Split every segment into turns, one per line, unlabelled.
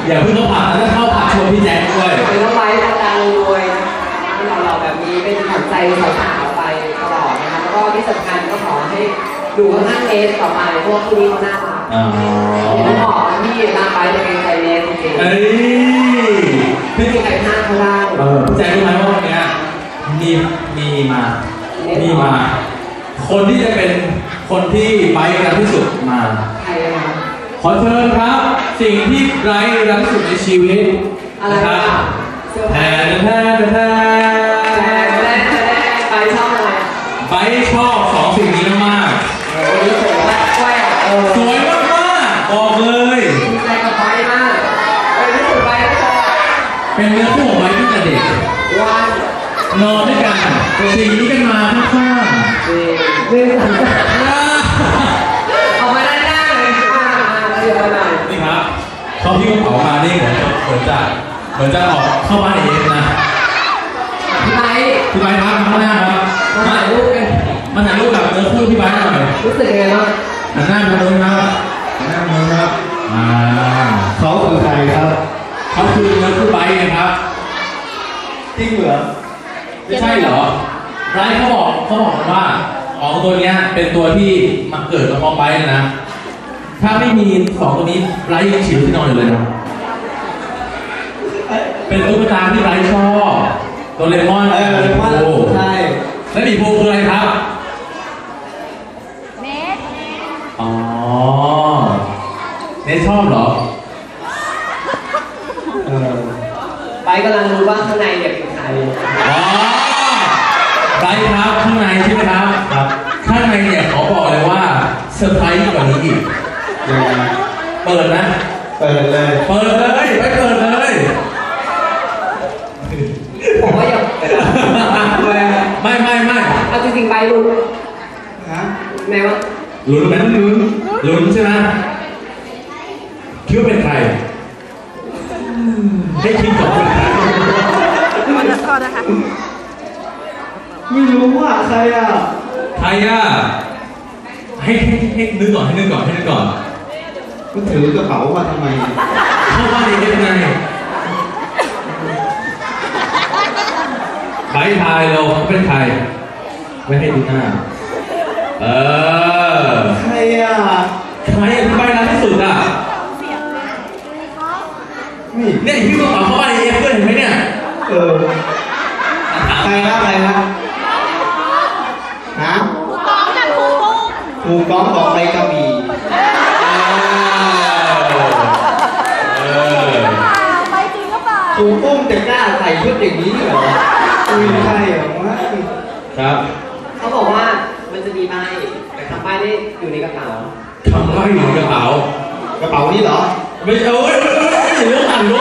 อย่าเพิ่งเข้าผับแล้วเข้าผับชวนพี่แจ็คด้วย
เป็นน้องไบร์ทดังรวยหล่อๆแบบนี้เป็นขวัญใจสาวๆไปตลอดนะคะแล้วก็ที่สำคัญก็ขอให้ดูข้างๆเนสต่อไปเพราะว่าคู่นี้เขาน่ารักต้องบอกว่าพี่รักไบร์ทจะเป็นใจเนสจริงๆไม่มีใครพลาดเขาได้
พี่แจ็ครู้ไหมว่าวันนี้มีมาคนที่จะเป็นคนที่ไบร์ทรักที่สุดมา
ใครนะ
ขอเชิญครับสิ่งที่ไบร์ทรักที่สุดในชีวิต
นะครับ
แทน
ไปชอบอะไร
ไปชอบสองสิ่งนี้มาก
วันนี้สวยมาก
สวยมากบอกเลย
ดีใจกับไปมากที่สุดไปก็ชอบ
เป็นเนื้อคู่ของไปตั้งแต่เด็ก
วัน
นอนด้วยกันสิ่งนี้กันมาข้าง
ๆเรื่องสังกัดออกมาด้านหน้าเลยเดี๋ยวมาหน่อย
นี่ครับเขาพี่กระเป๋ามานี่เหมือนจะออกเข้าบ้านเองนะ
พี่ไบร์ท
ครับข้างหน้าครับ
มาถ่ายรูปกัน
มาถ่ายรูปกับเนื้อคู่พี่ไบร์ทหน่อย
รู้สึกยังไงบ้าง
หันหน้ามาดูครับหันหน้ามาครับเขาคือใครครับเขาคือเนื้อคู่ไบร์ทครับ
จริงเหรอ
ไม่ใช่เหรอไบร์ทเขาบอกว่าของตัวนี้เป็นตัวที่มาเกิดกับพ่อไบร์ทนะถ้าไม่มีสองตัวนี้ไบร์ทยังฉิวที่นอนอยู่เลยนะเป็นตุ๊กตาที่ไบร์ทชอบโดเรมอน
ใช่
แล้วมีโพคืออะไรครับ
เนส
อ๋อเนสชอบเหรอ
ไปกำลังรู้ว่าข้างในเนี่ยเป็นใคร
อ๋อไบร์ทครับข้างในใช่ไหมครับข้างในเนี่ยขอบอกเลยว่าเซอร์ไพรส์กว่านี้อีกเปิดนะ
เปิดเลย
ไปเปิดเลย
บอกว่าอย่าไม่เอาจริงๆไปลุ้นฮะไหนวะ
ลุ้นไหมลุ้นใช่ไหมคิดว่าเป็นใครให้คิดก่อนเป็นใคร
ไม่รู้ว่าใครอ่ะ
ให้นึกก่อน
ก็ถือกระเป๋ามาทำไม
เข้าบ้านเองได้ไงใครทายเราเป็นใครไม่ให้ดูหน้า
ใครอ่ะ
ใครที่ไปร้านที่สุดอ่ะเนี่ยพี่กระเป๋าเข้าบ้านเองเพื่อนเห็นไหมเนี่ย
ใครนะฮะครูก้องบอกไปกระบี่
ไปจริงหรือเปล่า
ครูปุ้มจะกล้าใส่ชุดอย่างนี้เหรอไม่ใช่เหรอ
ครับ
เขาบอกว่ามันจะมีใบแต่คำใบได้อยู่ในกระเป๋า
คำใบอยู่ในกระเป๋า
นี่เหรอ
ไม่เอาเรื่องต่ำ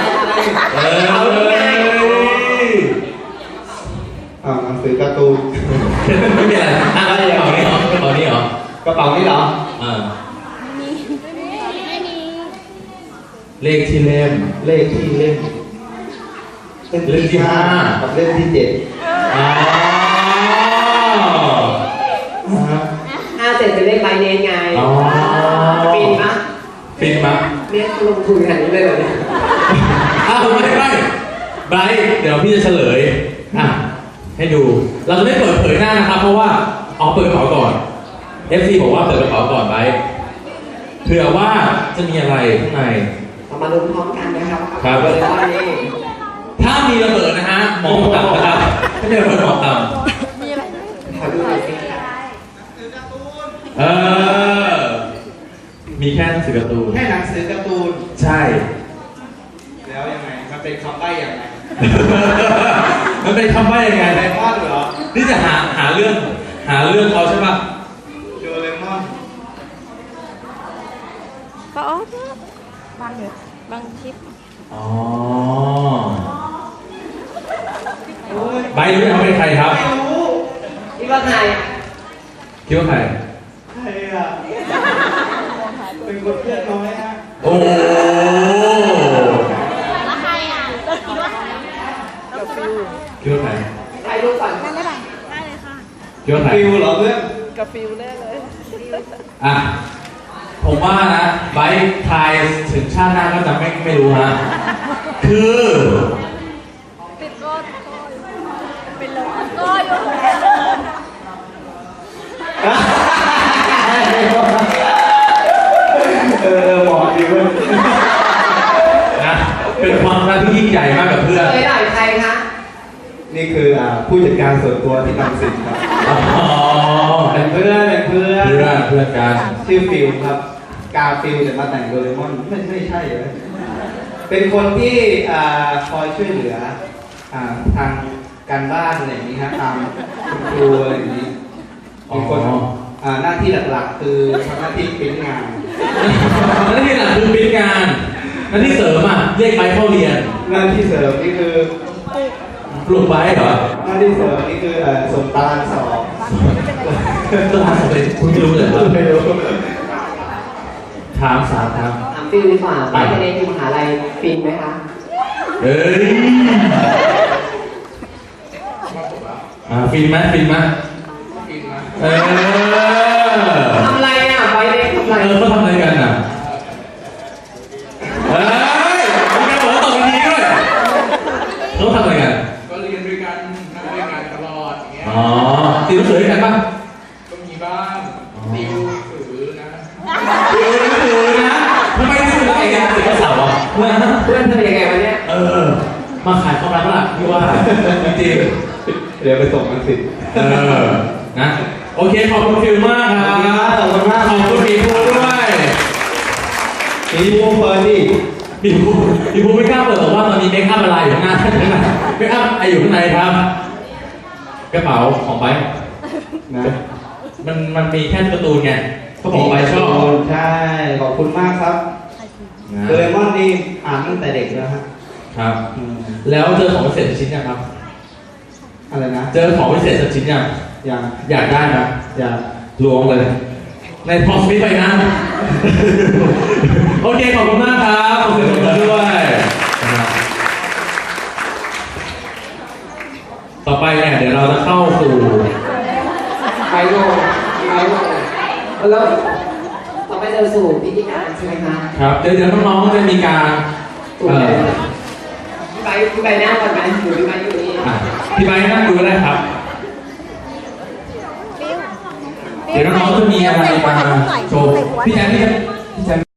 หนังสือการ์ตูน
ไม่มีอะไรกระเป๋านี้เหรอกระเป๋านี้เหร
ไม่มี
เลขที่เล่ม
เป็น
เล่มที่5
กับเล่มที่7 5 7เป็นเลขใบเนนไงฟิน
มั้ย
เรียกลงทุนขนาดนี้เลยเหรอเนี่ย
ไม่ไบร์ทเดี๋ยวพี่จะเฉลยให้ดูเราจะไม่เปิดเผยหน้านะครับเพราะว่าเปิดกระเป๋าก่อน FC บอกว่าเปิดกระเป๋าก่อนไบร์ทเผื่อว่าจะมีอะไรข้างใน
มาลุ้นพร้อมกันนะครับ
ถ้ามีระเบิดนะฮะมองต่ำนะครับถ้ามีระเบิดมองต่ำ
ขอดูหน่อยสิ
มีแค่หนังสือการ์ตูนใช่
แล้วยังไงมันเป็นคำใบ้ยังไง
มันเป็นคำใบ้ยังไง
ไดมอนด์เหรอ
นี่จะหาเรื่องเขาใช่ปะ
โดเรมอน
ก็บางคลิป
ใบรู้ไหมเขาเป็นใครครับ
ไม่รู้คิดว่าใครอ่ะเป็นคนเพื่อนน้อยฮะ
โอ้
แล้วใครอ่ะ
คิดว่าใคร
ใครรู้ก่อน
ได้เลยค่ะ
คิดว่าใคร
ฟิวเหรอเพื่อน
กับฟิวแน่เลย
ผมว่านะไบไปทายถึงชาติหน้าก็จะไม่รู้ฮะคือ
ติดก็เป็นลมก็อยู่
เหมาะดีเว้ย
นะเป็นความรักที่ยิ่งใหญ่มากกับเพื่อน
เคยหน่อยใครคะ
นี่คือผู้จัดการส่วนตัวที่ทำสินครับ
อ๋อ
เป็นเพื่อน
เพื่อนกัน
ชื่อฟิลครับ กาฟิลจะมาแต่งโดเรมอนไม่ใช่เลยเป็นคนที่คอยช่วยเหลือทางการบ้านอะไรอย่างนี้ฮะตามคุณครูอะไรอย่างนี้มีคนหน้าที่หลักๆ คือทำหน้าที่ปริ้นงาน
หน้าที่หลักคือเป็นงานหน้าที่เสริมเรียกไปเข้าเรียน
หน้าที่เสริมนี่คือ
ปลูกไว้เหรอ
หน้าที่เสริมนี่คือส่งตารางสอบ
ต้องถามเลยคุณไม่รู้เลยเหรอ
ไม่รู้
ถามสามครับ
ถามฟิลดีกว่าไปในที่มหาลัยฟินไหมคะ
เฮ้ยฟินไหมเออ
ทำอะไรอ่ะไปในทำอะไร
เขาทำอะไรกันเฮ้ยคุณแกบอกว่าตอบดีด้วยเขาทำอะไรกัน
ก็เรียนด้วยกันนั่งด้วยกันตลอดอย่างเงี้ย
อ๋อติวหนังสือด้วยกันป่ะ
ก็มีบ้างติวหนังสือนะ
ติวหนังสือนะทำไมติวหนังสือกันติวเสาร์อ่ะ
เพื่อนเธอยังไงวะเนี่ย
มาขายความรักล่ะพี่ว่าจริง
เดี๋ยวไปส่งมันสิ
นะโอเคขอบคุณฟิลมากครับ
ขอบคุณมาก
ขอบคุณมีภูด้วย
มีวงเฟิร์นดิ
มีภูไม่กล้าเปิดบอกว่าตอนนี้เมคอัพอะไรอยู่ข้างหน้าเมคอัพอะไรอยู่ข้างในครับกระเป๋าของไบค์
นะ
มันมีแค่การ์ตูนไงเขาบอกไบค์ชอบ
ใช่ขอบคุณมากครับ
นะ
โดเรมอนนี่อ่านตั้งแต่เด็กแล้วฮะ
ครับ
อืม
แล้วเจอของพิเศษสักชิ้นยังครับ
อะไรนะ
เจอของพิเศษสักชิ้นยัง
อย่าง
อยากได้นะ
อย่าง
ล้วงเลย ในพอสมิธไปนะ โอเค ขอบคุณมากครับขอบคุณด้วยนะครับต่อไปเนี่ยเดี๋ยวเราจะเข้าสู่
ไปโรงแล้วต่อไปจะสู่พิธีการใช่ไหมคะ
ครับเดี๋ยวน้องๆจะมีการ
ถูกไหมพี่ไปนั่งก่อนไหมหรือพี่ไปอยู่นี่
พี่ไบร์ทนั่งดูก็ได้ครับ เดี๋ยวน้องๆจะมีอะไรมาโชว์พี่แจ๊คพี่แจ๊ค